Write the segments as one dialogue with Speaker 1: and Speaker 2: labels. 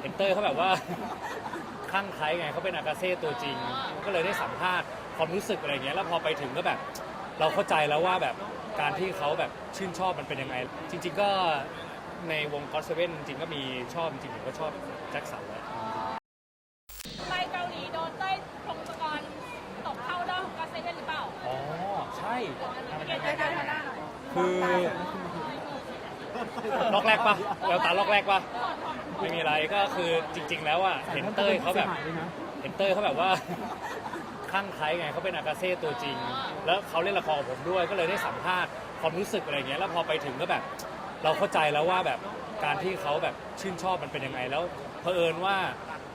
Speaker 1: เห็นเต้ยเขาแบบว่าคลั่งไคล้ไงเขาเป็นอากาเซ่ตัวจริงก็เลยได้สัมภาษณ์ความรู้สึกอะไรเงี้ยแล้วพอไปถึงก็แบบเราเข้าใจแล้วว่าแบบการที่เขาแบบชื่นชอบมันเป็นยังไงจริงๆก็ในวงก็อตเซเว่นจริงๆก็มีชอบจริงๆผมก็ชอบแจ็คสันแหละ
Speaker 2: ไปเกาหลีโดนเต้ยพงศกรตกเข้าด้อมก็เซเว่นหรือเปล่า
Speaker 1: อ๋อใช่
Speaker 2: ได้
Speaker 1: คือล็อกแรกปะแล้วตาล็อกแรกปะไม่มีอะไรก็คือจริงๆแล้วอ่ะเห็นเต้ยเขาแบบว่าคลั่งไคล้ไงเขาเป็นอากาเซ่ตัวจริงแล้วเขาเล่นละครกับผมด้วยก็เลยได้สัมภาษณ์ความรู้สึกอะไรเงี้ยแล้วพอไปถึงก็แบบเราเข้าใจแล้วว่าแบบการที่เขาแบบชื่นชอบมันเป็นยังไงแล้วเผอิญว่า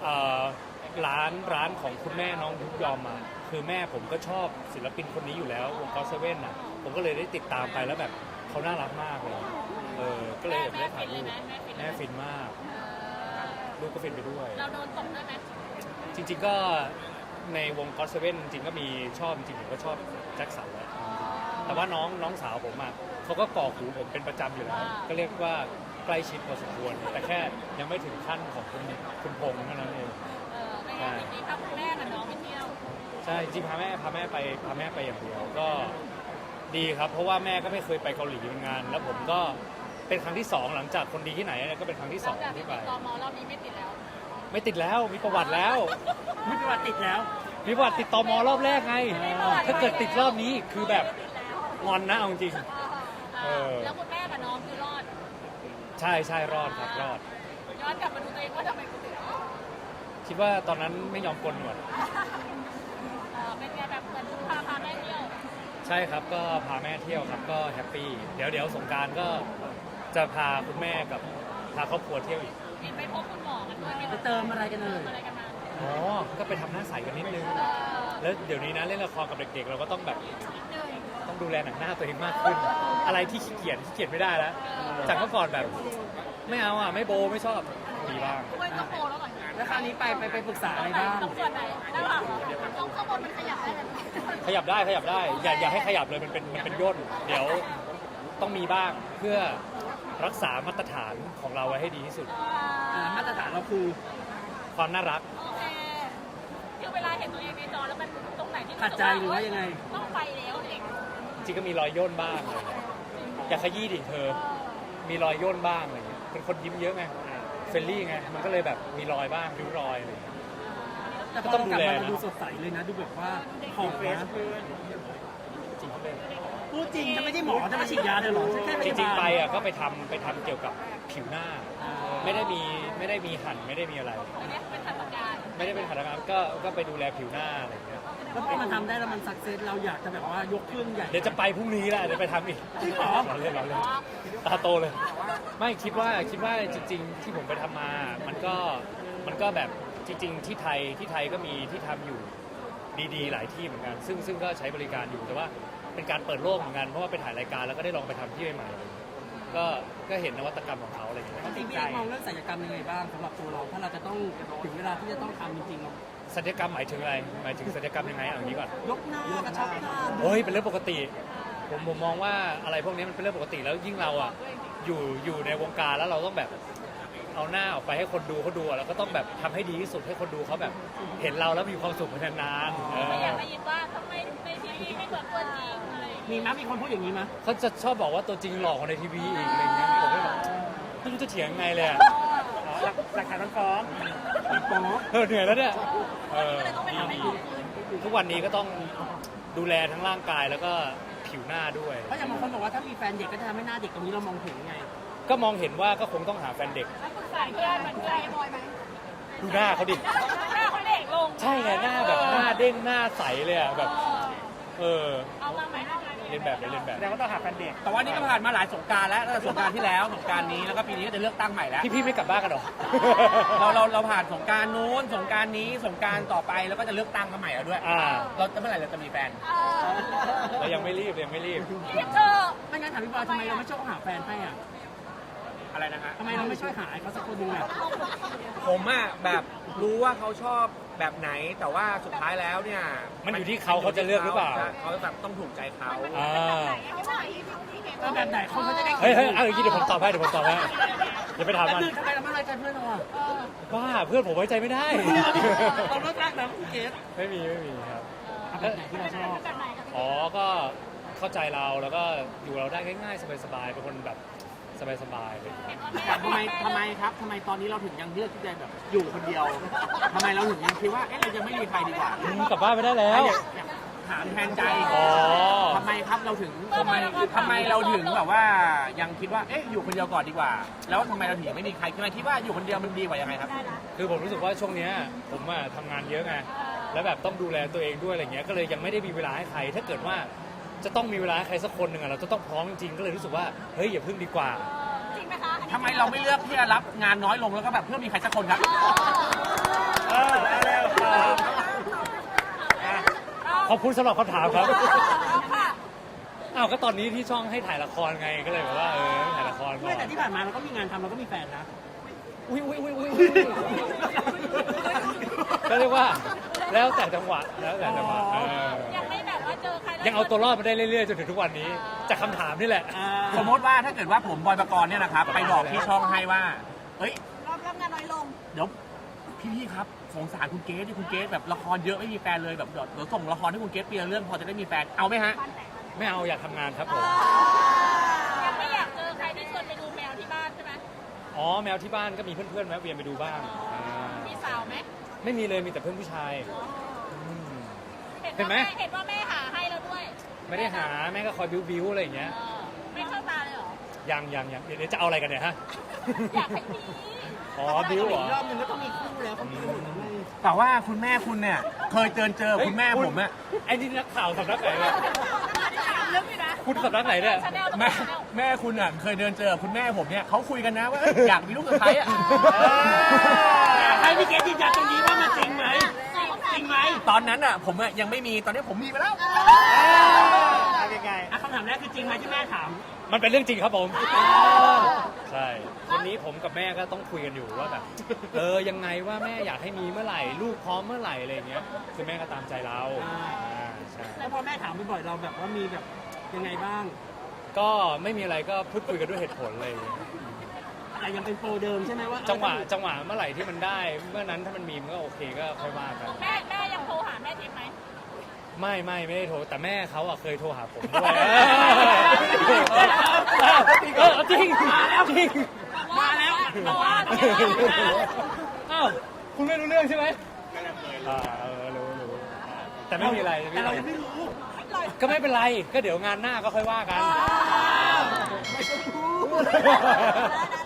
Speaker 1: ร้านของคุณแม่น้องยุกยอมมาคือแม่ผมก็ชอบศิลปินคนนี้อยู่แล้ววงก็อตเซเว่นอ่ะผมก็เลยได้ติดตามไปแล้วแบบเขาน่ารักมากเลยก็เลยแบบได้ถ่ายรูปแม่ฟินมากลูกก็ฟินไปด้วย
Speaker 2: เราโดนตกได้ไหม
Speaker 1: จริงๆก็ในวงก็อตเซเว่นจริงๆก็มีชอบจริงๆผมก็ชอบแจ็คสันแหละแต่ว่าน้องสาวผมอ่ะเขาก็ก่อหูผมเป็นประจำอยู่แล้วก็เรียกว่าใกล้ชิดพอสมควรแต่แค่ยังไม่ถึงขั้นของคุณพงษ์เท่านั้นเอง
Speaker 2: ไม่งั้นจริงๆพาคุณแม่กับน้องไปเที่ยว
Speaker 1: ใช่จริงพาแม่ไปอย่างเดียวก็ดีครับเพราะว่าแม่ก็ไม่เคยไปเกาหลีเหมือนกันแล้วผมก็เป็นครั้งที่2หลังจากคนดีที่ไหนก็เป็นครั้งที่2ที่ไป
Speaker 2: ตมรอบนี้ไม่ติดแล้ว
Speaker 1: มีประวัติแล้ว
Speaker 3: มีประวัติติดแล้ว
Speaker 1: มีประวัติติดตมรอบแรกไงถ้าเกิดติดรอบนี้คือแบบงอนนะเอาจริง
Speaker 2: แล้วคุณแม่กับน้องคือรอด
Speaker 1: ใช่รอดครับรอด
Speaker 2: ย้อนกลับมาดูตัวเองว่าทำไมกูติด
Speaker 1: คิดว่าตอนนั้นไม่ยอมกลนก่อน
Speaker 2: เป็นไงแบบเหมือนพาแม่เที่ยว
Speaker 1: ใช่ครับก็พาแม่เที่ยวครับก็แฮปปี้เดี๋ยวสงกรานต์ก็จะพาคุณแม่กับพาครอบครัวเที่ยวอีก
Speaker 2: ไปพบคุณหมอกันด้วย
Speaker 3: ไปเติมอะไรกันเลย
Speaker 1: อ๋อก็ไปทำหน้าใสกันนิดนึงแล้วเดี๋ยวนี้นะเล่นละครกับเด็กๆเราก็ต้องแบบต้องดูแลหนังหน้าตัวเองมากขึ้นอะไรที่ขี้เกียจไม่ได้แล้วจากเมื่อก่อนแบบไม่เอาไม่โบไม่ชอบมีบ้าง
Speaker 2: ไม่ต้องโบแล้วหน่อย
Speaker 3: แล้วคราวนี้ไปปรึกษาอะไรบ้าง
Speaker 2: ต้องส่วนไหนด้านหลังต้องข้างบนมันขยับได้ไหม
Speaker 1: ขยับได้อย่าให้ขยับเลยมันเป็นย่นเดี๋ยวต้องมีบ้างเพื่อรักษามาตรฐานของเราไว้ให้ดีที่สุด
Speaker 3: มาตรฐานเราคือ
Speaker 1: ความน่ารัก
Speaker 2: โอเคคือเวลาเห็นตัวเองในจอแล้วมันตรงไหนที่
Speaker 3: ขัดใจหรือว่ายังไง
Speaker 2: ต้องไปแล้วเอง
Speaker 1: จริงก็มีรอยย่นบ้างเลยอย่าขยี้ดิเธอมีรอยย่นบ้างอะไรเงี้ยเป็นคนยิ้มเยอะไงเฟรนลี่ไงมันก็เลยแบบมีรอยบ้างริ้วรอยอะไร
Speaker 3: แต่ก็ต้องดูแลดูสดใสเลยนะดูแบบว่าของเฟส
Speaker 1: จริงเขาเป็น
Speaker 3: พูดจริงจะไม่ใช่หมอจะมาฉีดยาเลยหรอ
Speaker 1: จริงๆไปก็ไปทำเกี่ยวกับผิวหน้าไม่ได้มีหั่นไม่ได้มีอะไรไม่ได้เป็นหัตถการก็ไปดูแลผิวหน้าอะไรอย่างเงี้ย
Speaker 3: แล้วพอมันทำได้แล้วมันสักเซสเราอยากจะแบบว่ายกเครื่องใหญ่
Speaker 1: เดี๋ยวจะไปพรุ่งนี้แหละเดี๋ยวไปทำอีก
Speaker 3: จริงเหรอ
Speaker 1: เล่นตาโตเลยไม่คิดว่าจริงๆที่ผมไปทำมามันก็แบบจริงๆที่ไทยก็มีที่ทำอยู่ดีๆหลายที่เหมือนกันซึ่งก็ใช้บริการอยู่แต่ว่าเป็นการเปิดโลกเหมือนกันเพราะว่าไปถ่ายรายการแล้วก็ได้ลองไปทำที่ใหม่ๆก็เห็นนวัตกรรมของเขาอะไรอย่างเงี้ย
Speaker 3: จริงๆมองเรื่องศัลยกรรมยังไงบ้างสำหรับตัวเราถ้าเราจะต้องถึงเวลาที่จะต้องทำจริงๆ
Speaker 1: ศัลยกรรมหมายถึงอะไรหมายถึงศัลยกรรมยังไงเอาอย่างนี้ก่อน
Speaker 3: ยกหน้ากระชับหน้า
Speaker 1: เป็นเรื่องปกติผมมองว่าอะไรพวกนี้มันเป็นเรื่องปกติแล้วยิ่งเราอยู่ในวงการแล้วเราต้องแบบเอาหน้าออกไปให้คนดูเขาดูแล้วก็ต้องแบบทำให้ดีที่สุดให้คนดูเขาแบบเห็นเราแล้วมีความสุขนาน
Speaker 2: ๆอยากได้ยินว่าทำไมในทีวีไม่เหมือนตัวจริงอะไร
Speaker 3: มีคนพูดอย่างนี้มั้ย
Speaker 1: เขาจะชอบบอกว่าตัวจริงหลอกกว่าในทีวีอีกอะไรเงี้ยผมก็แบบไม่รู้จะเถียงไงเลย
Speaker 3: หลักฐานมันฟ้อง
Speaker 1: เหนื่อยแล้วเนี่ยทุกวันนี้ก็ต้องดูแลทั้งร่างกายแล้วก็ผิวหน้าด้วย
Speaker 3: เพราะอย่างบางคนบอกว่าถ้ามีแฟนเด็กก็จะทำให้หน้าเด็กตรงนี้เรามองเห็นไง
Speaker 1: ก็มองเห็นว่าก็คงต้องหาแฟนเด็กดูหน้าเขาดิ
Speaker 2: หน้าเขาเด็กลง
Speaker 1: ใช่ไงหน้าแบบหน้าเด้งหน้าใสเลยแบบ
Speaker 2: เอามาไหม
Speaker 1: เรียนแบบ
Speaker 3: แสดงว่าต้องหาแฟนเด็ก
Speaker 4: แต่ว่านี่ก็ผ่านมาหลายสงกรานต์แล้วตั้งแต่สงกรานต์ที่แล้วสงกรานต์นี้แล้วก็ปีนี้ก็จะเลือกตั้งใหม่แล้ว
Speaker 1: พี่ไม่กลับบ้านกันหรอ
Speaker 4: เราผ่านสงกรานต์นู้นสงกรานต์นี้สงกรานต์ต่อไปแล้วก็จะเลือกตั้งกันใหม่แล้วด้วยเราจะเมื่อไหร่เราจะมีแฟน
Speaker 1: เรายังไม่รีบ
Speaker 2: เธอ
Speaker 3: ไม่งั้นถามพี่บอยทำไมเราไม่ชอบหาแฟนให้
Speaker 4: อะไรนะฮะ
Speaker 3: ทำไมเราไม่ช่วยหาเขาสักคนหนึ่ง
Speaker 4: ผมแบบรู้ว่าเขาชอบแบบไหนแต่ว่าสุดท้ายแล้วเนี่ย
Speaker 1: มันอยู่ที่เขาจะเลือกหรือเปล่า
Speaker 4: เขาแบบต้องถูกใจเขา
Speaker 1: อ่า
Speaker 3: แบบไหนคนเขาจะได้
Speaker 1: เฮ้ยเอาอย่างนี้เดี๋ยวผมตอบให้อย่าไปถาม
Speaker 3: แป๊บ
Speaker 1: มัน
Speaker 3: นึงทำไมเราไม่ไว้ใจเพื่อนเราอ่ะ
Speaker 1: ว่าเพื่อนผมไว้ใจไม่ได้
Speaker 3: เราเลิกรักนะคุณเกศ
Speaker 1: ไม่มีครับ
Speaker 3: แบบไหนที่เราชอบ
Speaker 2: แบบไหนคะ
Speaker 1: อ๋อ ก็เข้าใจเราแล้วก็อยู่เราได้ง่ายๆ สบายๆ เป็นคนแบบสบายๆเลย
Speaker 3: แต่ทำไมครับทำไมตอนนี้เราถึงยังเลือกที่จะแบบอยู่คนเดียวทำไมเราถึงยังคิดว่าเอ๊ะเราจะไม่มีใครดีกว่า
Speaker 1: กลับบ้านไม่ได้แล้ว
Speaker 3: อยากถามแทนใจ
Speaker 1: อ๋อ
Speaker 3: ทำไมครับเราถึง
Speaker 4: ทำไมเราถึงแบบว่ายังคิดว่าเอ๊ะอยู่คนเดียวก่อนดีกว่า แล้วทำไมเราถึงยังไม่มีใครทำไมคิดว่าอยู่คนเดียวมันดีกว่ายังไงครับ
Speaker 1: คือผมรู้สึกว่าช่วงเนี้ยผมอะทำงานเยอะไง แล้วแบบต้องดูแลตัวเองด้วยอะไรเงี้ย ก็เลยยังไม่ได้มีเวลาให้ใคร ถ้าเกิดว่าจะต้องมีเวลาให้ใครสักคนหนึ่งอะเราจะต้องพร้อมจริงๆ ก็เลยรู้สึกว่า เฮ้ยอย่าพึ่งดีกว่า
Speaker 2: จริงไหมคะ
Speaker 4: ทำไมเราไม่เลือกที่จะรับงานน้อยลงแล้วก็แบบเพื่อมีใครสักคนครับ
Speaker 1: ขอบคุณสำหรับคำถามครับ
Speaker 2: ค่ะ
Speaker 1: อ้าวก็ตอนนี้ที่ช่องให้ถ่ายละครไง ก็เลยแบบว่าถ่ายละครก่อ
Speaker 3: ไม่แต่
Speaker 1: น
Speaker 3: ที่ผ่านมาเราก็มีงานทำเราก็มีแฟนนะ
Speaker 1: อุ้ยก็เรียกว่าแล้วแต่จังหวะเออ
Speaker 2: ยังไม่แบบว่าเจอใครแล้ว
Speaker 1: ยังเอาตัวรอดมาได้เรื่อยๆจนถึงทุกวันนี้ จากคำถามนี่แหละ
Speaker 4: สมมติว่าถ้าเกิดว่าผมบอยปกรณ์เนี่ยนะครับไปบอกที่ช่องให้ว่าเฮ้ย
Speaker 2: รับงานน้อยลง
Speaker 4: เดี๋ยวพี่ครับสงสารคุณเกสที่คุณเกสแบบละครเยอะไม่มีแฟนเลยแบบเดี๋ยวส่งละครให้คุณเกสปีละเรื่องพอจะได้มีแฟนเอาไหมฮะ
Speaker 1: ไม่เอาอยากทำงานครับผม
Speaker 2: ยังไม่อยากเจอใครที่ชวนไปดูแมวที่บ้านใช่ไหม
Speaker 1: อ๋อแมวที่บ้านก็มีเพื่อนๆแวะเวียนไปดูบ้าง
Speaker 2: มีสาวไหม
Speaker 1: ไม่มีเลยมีแต่เพื่อนผู้ชายม เห็นไหม
Speaker 2: เห็นว่าแม่หาให้แล้วด้วย
Speaker 1: ไม่ได้หาแม่ก็คอยบิ้วๆอะไรอย่างเงี้ย
Speaker 2: ไม่เข้าตาเลยเหรอ
Speaker 1: ยังเดี๋ยวจะเอาอะไรกันเนี่ยฮะ
Speaker 2: อยากให้มี
Speaker 1: อ๋อบิ้วเหรอ
Speaker 3: อีกรอบนึงก็ต้องมีคู่แล้วเขาคิดว่าไม่
Speaker 4: แต่ว่าคุณแม่คุณเนี่ยเคยเจอคุณแม่ผมอะ
Speaker 1: ไอ้นี่นักข่าวสำนักไหนเนี่ย
Speaker 2: เรื่องนี้นะ
Speaker 1: คุณสำนักไหนเนี่ย
Speaker 4: แม่คุณอะเคยเจอคุณแม่ผมเนี่ยเขาคุยกันนะว่าอยากมีลูกกับใครอะ
Speaker 3: อยากให้พี่เกศยืนยันตรงนี้ว่ามันจริงไหมจริงไหม
Speaker 4: ตอนนั้นอะผมอะยังไม่มีตอนนี้ผมมีไปแล้ว
Speaker 1: ยังไง
Speaker 3: คำถามแรกคือจริงไหมที่แม่ถาม
Speaker 1: มันเป็นเรื่องจริงครับผม ใช่วันนี้ผมกับแม่ก็ต้องคุยกันอยู่ว่าแบบยังไงว่าแม่อยากให้มีเมื่อไหร่ลูกพร้อมเมื่อไหร่อะไรอย่างเงี้ยคือแม่ก็ตามใจเราใช่
Speaker 3: แล้วพอแม่ถามบ่อยๆเราแบบว่ามีแบบยังไงบ้าง
Speaker 1: ก็ไม่มีอะไรก็พูดคุยกันด้วยเหตุผลเลย
Speaker 3: แต่ยังเป็นโปรเดิมใช่ไหมว่า
Speaker 1: จังหวะเมื่อไหร่ที่มันได้เมื่อนั้นถ้ามันมีมันก็โอเคก็ค่อยว่ากัน
Speaker 2: แม่ยังโทรหาแม่ทิพย์ไหม
Speaker 1: ไม่ได้โทรแต่แม่เขาอะเคยโทรหาผมด้วยจริงมาแล้วจริง
Speaker 3: มาแล้ว
Speaker 1: อ้าวคุณไม่รู้เรื่องใช่ไหมรู้แต่ไม่มีอะไร
Speaker 3: แต่เรายังไม่รู้
Speaker 1: ก็ไม่เป็นไรก็เดี๋ยวงานหน้าก็ค่อยว่ากัน
Speaker 3: ไม่ต้องพูด